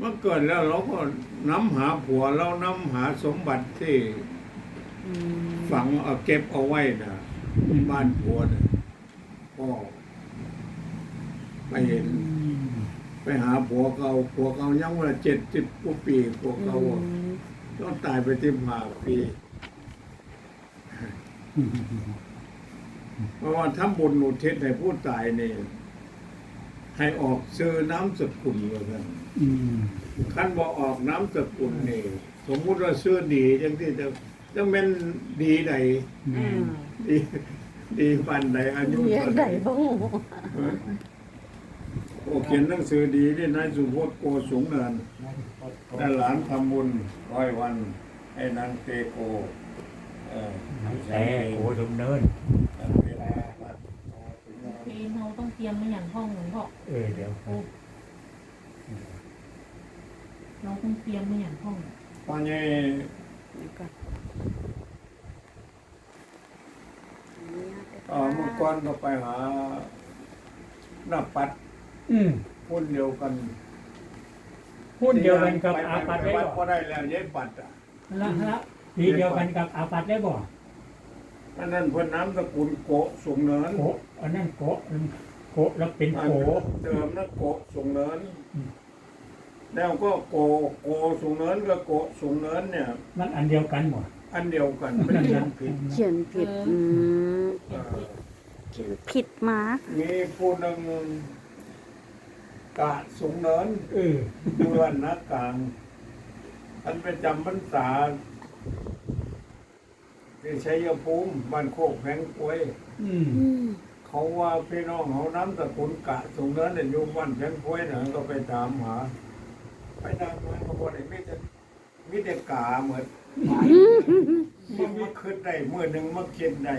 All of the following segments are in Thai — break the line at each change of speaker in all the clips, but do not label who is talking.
เมื่อเกิดแล้วเราก็น้ำหาผัวเราน้ำหาสมบัติที่ฝังเอาเก็บเอาไว้นะบ้านผัวนะพ่อไปเห็น ไปหาผัวเก่ายังว่า70 กว่าปีผัวเก่าต้องตายไป15 ปีเพราะว่าทำบุญอุทิศให้ผู้ตายนี่ให้ออกชื่อน้ำสกุลว่าซั่นคันบ่ออกน้ำสกุลนี่สมมุติว่าชื่อดีจังที่จะแม่นดีใดดีดีปานใดอายุ
เรีย
เท่าก ใด
ได้บ่ฮู้
โอ้เขียนหนังสือดีนี่นายสุพจน์โกสูงเนินแต่หลานทำบุญ100 วันให้นางเตโก
แต่โอ้สมเนิน
เราต้องเตรียมมาอย่างห้องหลวงพ่อ
เดี๋ยว
เราต้องเตรียมมาอย่างห้อง
ตอนนี้เมื่อก่อนก็ไปหาหน้าปัดหุ้นเดียวกัน
หุ้นเดียวกันกับอาปัดได้
วัด
บ่
ก็ได้แล้วย้ายปัดอ่ะ
ละทีเดียวกันกับอาปัดได้บ่
อันนั้นเพิ่นน้ำสกุลโกสูงเนิน
โกอันนั้นโกแล้วเป็นโก
เดิมนะโกสูงเนินแล้วก็โกสูงเนินกับโกสูงเนินเนี่ย
มันอันเดียวกันหมด
อันเดียวกันไม่เขียนผิด
เขียนผิดเขียนผิดมา
มีผู้หนึ่งกะสูงเนินเดือนนักกลางอันไปจำพรรษาที่ชัยภูมิบ้านโคกแผงกล้วยเขาว่าพี่น้องเขาน้ำสกุลกะสูงเนินเนี่ยอยู่บ้านแผงกล้วยเนี่ยก็ไปถามหาไปถามหาเขาบอกไอ้มิแต่กาเหมือนมันขึ้นได้เมื่อหนึ่งมาคิดได้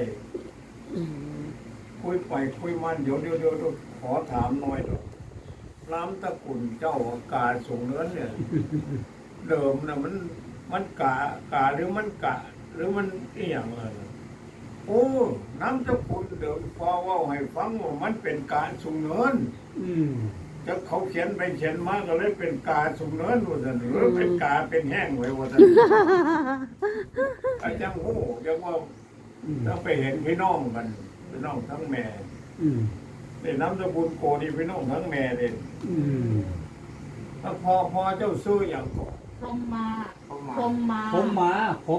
คุยไปคุยมันเดี๋ยวขอถามหน่อยหรอกน้ำตะกุลเจ้าอากาศสูงเนินเนี่ยเดิมนะมันกาหรือมันกะหรือมันอีหยังอะไรโอ้น้ำตะกุลเดิมพอว่าให้ฟังว่ามันเป็นกาสูงเนินจะเขาเขียนไปเขียนมาก็เลยเป็นกาสูงเนินว่าซั่นหรือเป็นกาเป็นแห้งไว้ว่าซั่นอาจารย์โอ้ยังว่าถ้าไปเห็นพี่น้องกันพี่น้องทั้งแม่นี่น้ำตะกุลโกนี่พี่น้องทั้งแม่เลยถ้าพอเจ้าซื้ออย่างก่อน
พรมมา
ผมมา
พอผมมา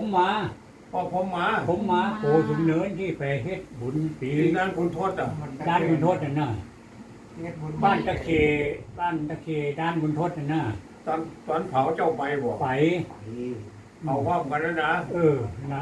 โกสมเนินที่ไปเฮ็ดบุญปี
ที่นั่นคุณโทษอ่ะ
ด้านบุญทศนั่นน่ะบ้านตะเคด้านบุญทศนั่นน่ะ
ตอนเผาเจ้าไปบ่
ไป
เอาว่ากันแล้วนะ
นะ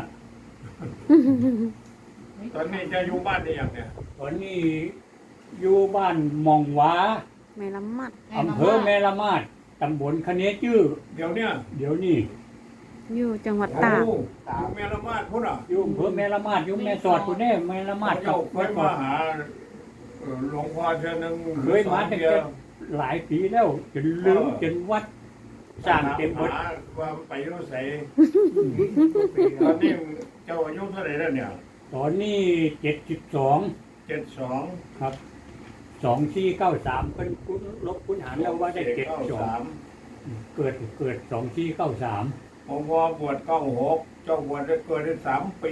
ตอนนี้จะอยู่บ้านได้ยังเนี่ย
ตอนนี้อยู่บ้านมองหวา
แม่ละมัด
อำเภอแม่ละมาดตำบลคะเนจื้อ
เดี๋ยวเนี่ย
เดี๋ยวนี้
อยู่จังหวัด
โอ้
ตาก
อยู่แม่ละมาดพุ่นอ่ะ
อยู่อำเภอแม่ละมาดอยู่แม่สอดพุ่นแน่แม่ละมาด
เจ้าเคยมาหาหลวงพ่อเทื่อนึง
เคยมาตั้งแต่หลายปีแล้วจนลืมจนวัดสร้างเต็มหมด
หาว่าไปอยู่ไสตอนนี้เจ้าอายุเท่าไหร่แล้วเนี่ย
ตอนนี้72
72
ครับ2493เป็นลบคูณหารแล้วว่าได้72เกิด2493
ผมว่าบวช96เจ้าบวชได้เกิดได้3 ปี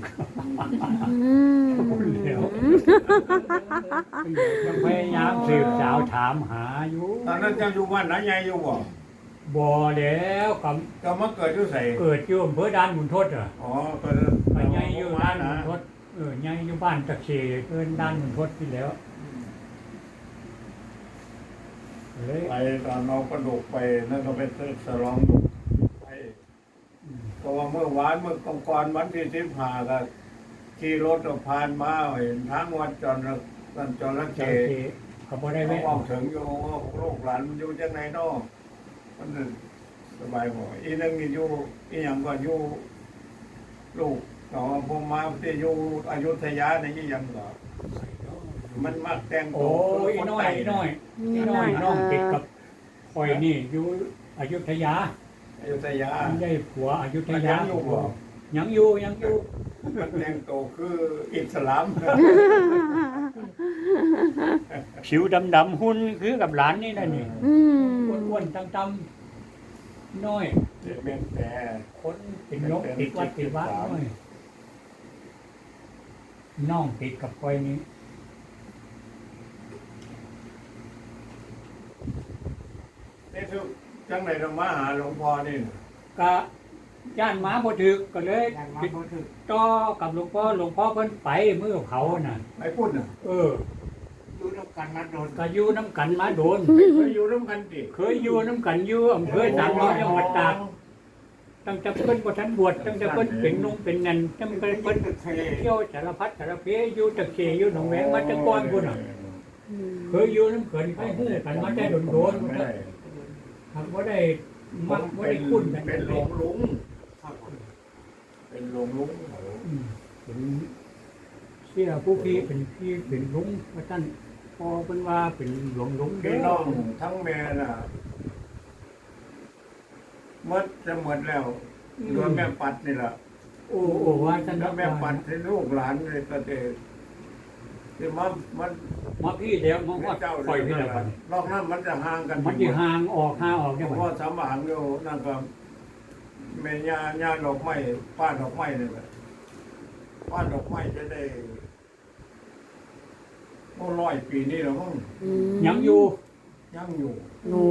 ยังพยายามสืบสาวถามหาอยู่
ตอนนั้นเจ้าอยู่บ้านไหนใหญ่อยู่บ่
บ่แล้วกับ
ก็มาเกิดอยู่ไส
เกิดอยู่อำเภอด่านบุญทศอ่ะ
อ๋อก็
ไปใหญ่อยู่ด่านบุญทศใหญ่อยู่บ้านตะเคเอิ้นด่านบุญทศที่แล้วเลย
ไปตอนเรากระดูกไปนั่นก็ไปสลองดูไปก็ว่าเมื่อวานเมื่อกองกรวันที่15ก็ขี่รถผ่านมาเห็นทางวัดจระเข้
เขาบ่ได้
เขา
แวะ
บอกถึงอยู่ว่าลูกหลานมันอยู่จังไหนเนาะมันสบายบ่อีนึงนี่อยู่อีหยังก็อยู่ลูกก็ว่าผมมาที่อยู่อยุธยานี่อีหยังก็มันมักแต่ง
โอ้ยน้อยน้องติดกับข่อยนี่อยู่อยุธยา
อยุธยา
ได้ผัวอยุธ
มัน
ยา
ยังอยู่บ่
ยังอยู่
มันแต่งตัวคืออิสลาม
ผิวดำๆหุ่นคือกับหลานนี่นะนี่อ้วนๆตำน้อย
เด็กแม่นแต่
คนเป็นนกติดวัดติดวัดน้อยน้องติดกับคอยนี้
นี่คือจังไหนเรามาหาหลวงพ่อนี่น่ะ
ก็ย่านหมาบ่ถึกก็เลยติดต่อกับหลวงพ่อเพิ่นไปมื้อเผาน่ะ
ไปพูดน่ะ
ดูแล้วกันมาโดน
ก็อยู่น้ำกันมาโดน
เคยอยู่ร่วมกันดิ
เคยอยู่น้ำกันอยู่อำเภอสามร้อยจังหวัดตากตั้งแต่เพิ่นบ่ทันบวชตั้งแต่เพิ่นเป็นนุ่งเป็นนันตั้งแต่เพิ่นเที่ยวสารพัดสารเพอยู่ตะเคียอยู่หนองแวงมาแต่ก่อนพุ่นน่ะ
อืม
เคยอยู่น้ำเกินไปฮู้กันมาแต่โดนๆ
ไม่
พุ่น
ได้
น่ะหากบ่ได้มักบ่ได้คุ้นกัน
เป็นหลวงลุง
ครับผม
เป็นหลวงลุง
อืมเป็นเสียผู้พี่เป็นพี่เป็นลุงว่าท่านพอเพิ่นว่าเป็นหลวงลุงเด้
พี่
อ
น้องทั้งแม่น่ะหมดจะหมดแล้วเหลือแม่ปัดนี่ล่ะ
โอ้ว่าท่าน
แล้วแม่ปัดให้ลูกหลานเลยก็เด็กที่มัน
มาพี่เดี๋ยวมาฮอด
เจ้า
ปล่อย
เดี
พี่
ยว
แล้วกัน
นอกนั้นมันจะห่างกัน
มันสิห่างออกได้บ่
พ่อสามหางอยู่นั่นก็แม่ย่าดอกไม้ป้าดอกไม้นี่แหละป้าดอกไม้จะได้โอ้100 ปีนี่แล้วมั้ง
อืม
ยังอยู่
ยังอยู่
โอ้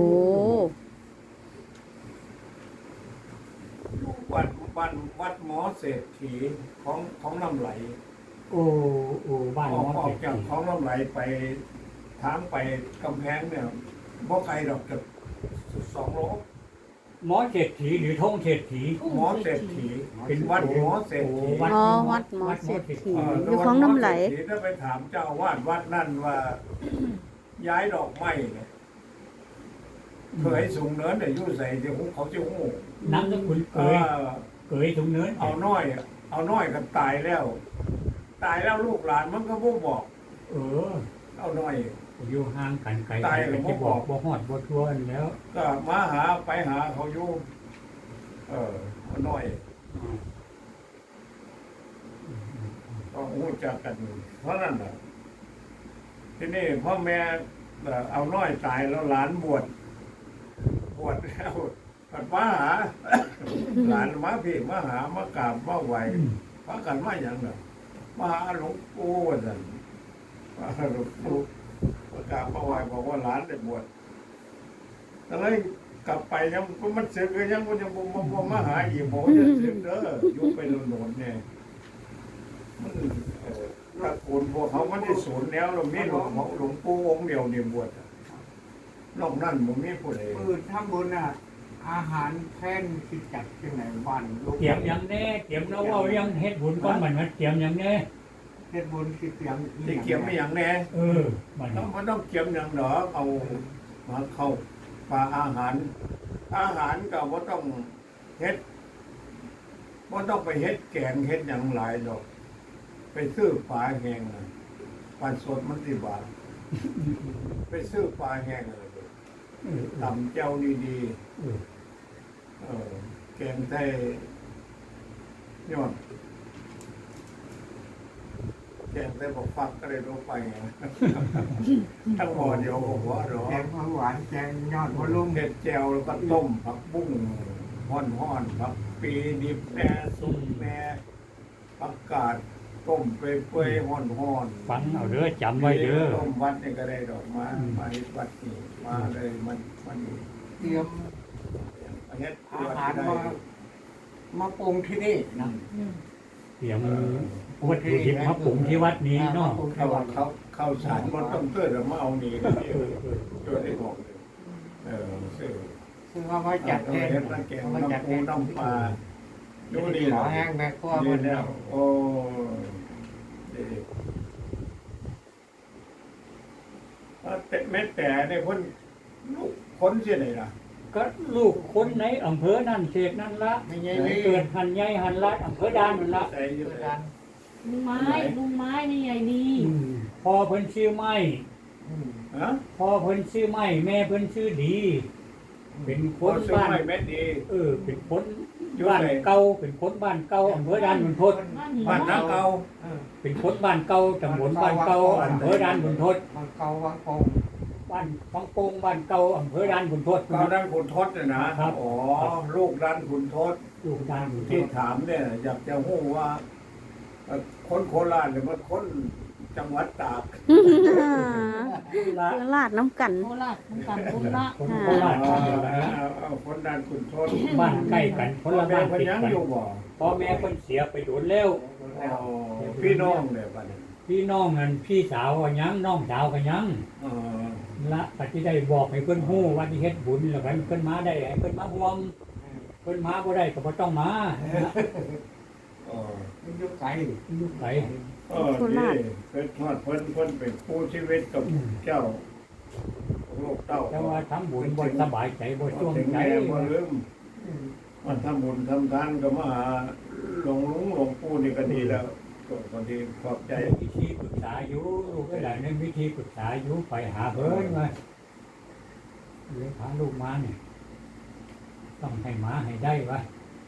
อยู่วัดหมอเศรษฐีของน้ำไหล
โอ้บ้าน
อ
หม
อก
อ
ออ
เศร
ก
ษ
จาก
ฐี
ของน้ำไหลไปทางไปกำแพงเนี่ยบ่ไกลดอกจาก2 โล
หมอเศรษฐีหรือทงเศรษฐี
หมอเศรษฐีเป็นวัดหมอเศรษฐี
อ๋อวัดหมอเศรษฐีอยู่ของน้ำไหล
วัดมอเศรษฐีถ้าไปถามเจ้าอาวาดวัดนั่นว่า ย้ายดอกไม้เนี่ยเคยสูงเนินแต่ยุ่ใส่เดี๋ยวเขาจะหู
น้ำสกุลเกยถุงเนื้อ
เอาน้อยกันตายแล้ว ตายแล้วลูกหลานมันก็บ่บอก เอาน้อย
อยู่ห่างกันไกล
ตายก็บ่
จะ
บอก
บ่ฮอดบ่ทั่วแล้ว
ก็มาหาไปหาเขาอยู่เอาน้อยก็หูจักกัน เพราะนั่นแหละที่นี่พ่อแม่เอาน้อยตายแล้วหลานบวชแล้วกัดมาหา หลานมาพี่มาหามากราบมาไหวมากันมาอย่างน่ะมาหาหลวงปู่ว่าซั่นมาหาหลวงปู่มากราบมาไหวบอกว่าหลานได้บวชก็เลยกลับไปยังมันเสร็จก็ยังบ่มาหาอีกบอกว่าจะเสร็จเด้ออยู่ไปโน่นๆเนี่ยมันตระกูลพวกเขามันได้สูญแล้วเรามีหลวงปู่องค์เดียวเนี่ยบวชอะนอกนั้นบ่มีผู้ใด
ปืนทำบุญอ่ะอาหารแท่นสิจัดที่ไหนบ้านลูก
เตรียมหยังแน่เตรียมแล้วว่ายังเฮ็ดบุญก่อนมันเตรียมหยังแน่
เฮ็ดบุญสิเตรียม
ที่เกี่ยวไม่อย่างแน่
มัน
มันต้องเกี่ยวอย่างหรอเอามาเข้าปลาอาหาร อาหารก็ว่าต้องเฮ็ดว่าต้องไปเฮ็ดแกงเฮ็ดอย่างหลายดอก ไปซื้อปลาแห้งน่ะปลาสดมันสิบาทไปซื้อปลาแห้งอะไรตำเจ้าดีๆแกงไทยยอดแกงไทยบอกฟักก็เลยลงไปไง ทั้งหมดเดียวผมว่าหรอ
แกงผักหวานแกงยอดมะลุ่ม
เห็ดแจวแล้วก็ต้มผักบุ้งห่อนผักปีดิบแหน่สุกแหน่ผักกาดต้มเปื่อยๆห่อนๆ
ฟังเอาเด้อจำไว้เด้อ
ต้มวัดนี่ก็ได้ดอกมามาเฮ็ดวัดนี่มาเลยมัน
เตรียม
เฮ็ด
อา
วัด
หาร
ได้
มาปรุงที่นี่นะ
เตรียมวัตถุดิบมาปรุงที่วัดนี้เนาะ
เข้าสารมันต้องเกิดแล้วมาเอานี่ก็เดียวตัวได้บอกเลยซื้อ
ซึ่งเอาไว้จัดแทน
เฮ็ดน้ำแกง
เอาไว้จัด
น้ำ
แท
ปู
น
น้ำปลาดู
ดู
นี่
นี่ขอ
นะ
แห้งแม่ครัว
นี่
มัน
แล้วโอ้แม่แต่เนี่ยคนลูกคนเสียไหนล่ะ
ก็ลูกคนในอำเภอนั่นเขตนั่นละ
ไม่ใช่นี่
เกิดหันใหญ่หันละอำเภอดานนั่นละ
ใส่อยู่
เกิด
ไหน
การ
ลุงไม้นี่ใหญ่ดี
พ่อเพิ่นชื่อไม้
ฮะ
พ่อเพิ่นชื่อไม้แม่เพิ่นชื่อดี เป็นค
คน
น
ซื้อ
บ้าน
ไม่แม่ดี
เป็นคนบ้านเก่าเป็นคนบ้านเก่าอำเภอดานขุนทด
บ้านหิน
บ้านน้าเก่า
เป็นคนบ้านเก่าตำบลบ้านเก่าอำเภอดานขุนทด
มันเกาวังคง
บบ้านฟังโป่งบ้านเก่าอำเภอด่านขุนทด
เก้าด้านขุนทดเนี่ยนะครับ อ๋อลูกด้านขุนทด
ลูกด่านขุนท
ที่
ด
ถามเนี่ยอยากจะรู้ว่าคนโคราชหรือว่าคนจังหวัดตาก
ละ
เพื่อลาดน้ำกัน
โคราชน้ำกันคนละ
คนโคราช
เอาคนด้านขุนทด
บ้านใกล้กันคนละ
แม่
บ้าน
พ
ติด
ยัง
กัน
อยู่บ่
พ่อแม่คนเสียไปโดนแล้ว
อ๋อพี่น้องเนี่ยบัดนี้
พี่น้องนั่นพี่สาวก็ยังน้องสาวก็ยัง
อ๋อ
ละปฏิได้บอกให้เพิ่นฮู้ว่าที่เฮ็ดบุญแล้วกันเพิ่นมาได้ให้เพิ่นมาร่วมเพิ่นมาบ่ได้ก็บ่ต้องมา
อ๋อ
มันอยู่ไกล
ลูกไผ
โคราช
นี่เพิ่นทอดเพิ่นเป็นผู้ชีวิตกับเจ้าลูกเต้า
แต่ว่าทำบุญบ่สบายใจบ่ช่วง
ถึง
ใจ
แม่บ่ลืมมันทำบุญทำทานก็มาหาหลวงลุงหลวงปู่นี่ก็ดีแล้วก็ดีขอบใจ
วิธีปรึกษาอยู่ลูกก็ได้ในวิธีปรึกษาอยู่ไปหาเพิ่นว่าเลี้ยงพาลูกมาเนี่ยต้องให้หมาให้ได้วะ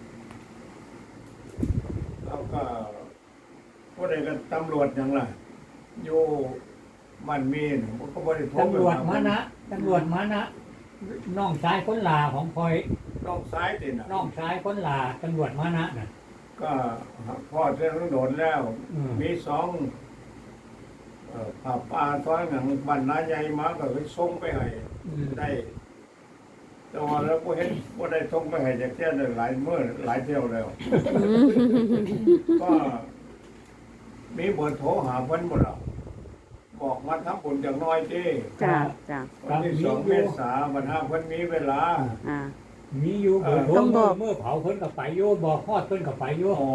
แล้วก็ผู้ใดก็ตำรวจหยังล่ะอยู่มันมีนผมก็บ่ได้โทร
ตำรวจมานะตำรวจมานะน้องชายคนลาของพลอย
น้องซ้ายติน่ะ
น้องชายคนลาตำรวจมานะน่ะ
ก็พ่อเจ้าโดนแล้ว
อืม
มีสองผับปลาซ้อยหนังบ้านนาใหญ่มาก็เลยส่งไปให้
อืม
ได้ แต่ว่าแล้วก็เห็นว่าได้ส่งไปให้จากเที่ยวได้หลายเมื่อหลายเที่ยวแล้ว ก็มีเบอร์โทรหาเพิ่นหมดแล้วบอกมาทำบุญอย่างน้อยเจ้
จ้าจ้า
วันที่2 เมษายนวันห้าเพิ่นมีเวลา
อ่า
มีอยู่เบอร์โทร
ต้องบอก
เมื่อเผาเพิ่นก็ไปอยู่บอกฮอดเพิ่นก็ไปอยู่
อ๋อ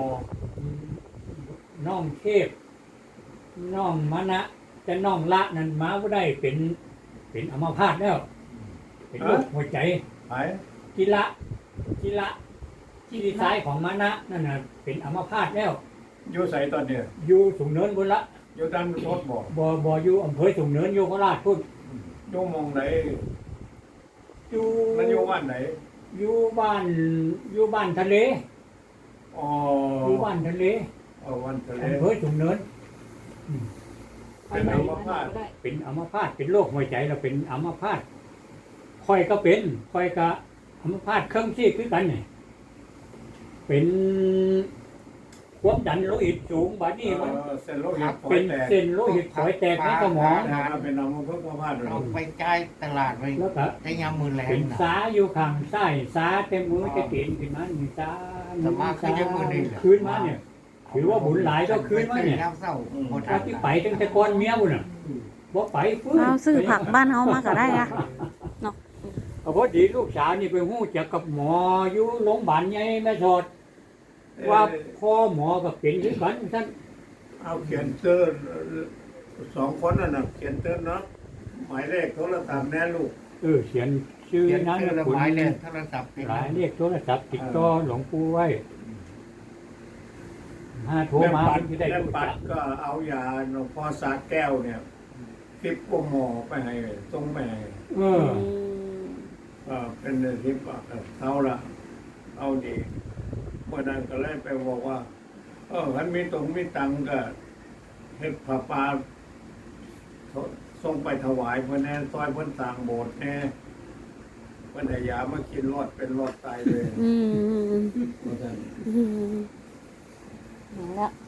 น้องเทพน้องมณะแต่น้องละนั่นมาบ่ได้เป็นอัมพาตแล้ว เป็นโรคหัวใจ
ไป
กีฬาที่ดีไซน์ของมณะนั่นน่ะเป็นอัมพาตแล้ว
อยู่ใส่ตอนเนี้ย
อยู่สูงเนินบนละ
อยู่ด้านโทษบอก
บ่อยู่อำเภอสูงเนินอยู่โคราชพุ่น
อยู่หมองไหน
อยู่
มันอยู่บ้านไหน
อยู่บ้านทะเล
อ๋อ
อยู่บ้านทะเล
วันทะเล
อำเภอสูงเนิน
เป็นอัมพาต
เป็นอัมพาตเป็นโรคหัวใจแล้วเป็นอัมพาตค่อยก็เป็นค่อยก็อัมพาตเครื่องชีพคือกันเนี่ยเป็นความดันโลหิตสูงบัดนี้มัน
เส้นโลหิตฝอ
เป็
ย
น
แตก
เส้นโลหิตฝอยแตกในสมอง
เป็นอัมพาต
เราไปจ่ายตลาดไป
แล้วก็
ได้ยามมือแรง
เป็น
นะ
สาอยู่ข้างซ้ายสาเต็มมือจะเกินขึ้นมาหนึ่งสา
สมาคือยังมือนี่
คืนมาเนี่ยถือว่าบุญหลายก็คืนมาเนี่ย
น้ำเศร้าหมด
ถ้าที่ไปตั้งแต่ก่อนเมียบุญน่ะบ่ไปฟื้น
เอาซื้อผักบ้านเฮามาก็ได้อะ
เอาพอดีลูกสาวนี่ไปฮู้จักกับหมออยู่โรงพยาบาลใหญ่แม่สอดว่าพ่อหมอก็เป็นคือกันท่าน
เอาเขียนเตอร์2 คนน่ะเขียนเตอร์เนาะหมายเลขโทรศัพท์แน่ลูก
เขียนชื่อ
เขียน
นั้น
ชื่อ
นะ
ละ
คุณ
หมายเลยโทรศัพท์
หลายเลขโทรศัพท์ติดต่อหลวงปู่ไว้โทร
แม่
มา
ปัด
ที่ได้
แม่
รู้
ปั
จั
ด
ก
ก็เอายาหลวงพ่อสาแก้วเนี่ยทิปหมอไปให้ตรงไปให้
เออ
เป็นทิปเอาละเอาดีเมื่อนั้นก็เลยไปบอกว่ามันมีตรงมีตังก็เฮ็ดผ้าป่าส่งไปถวายเพื่อนแน่ซอยเพื่อนสร้างโบสถ์แน่เพื่อนให้ยามากินรอดเป็นรอดตายเลย
อืม
ว่าซั่น
อืมมาแล้ว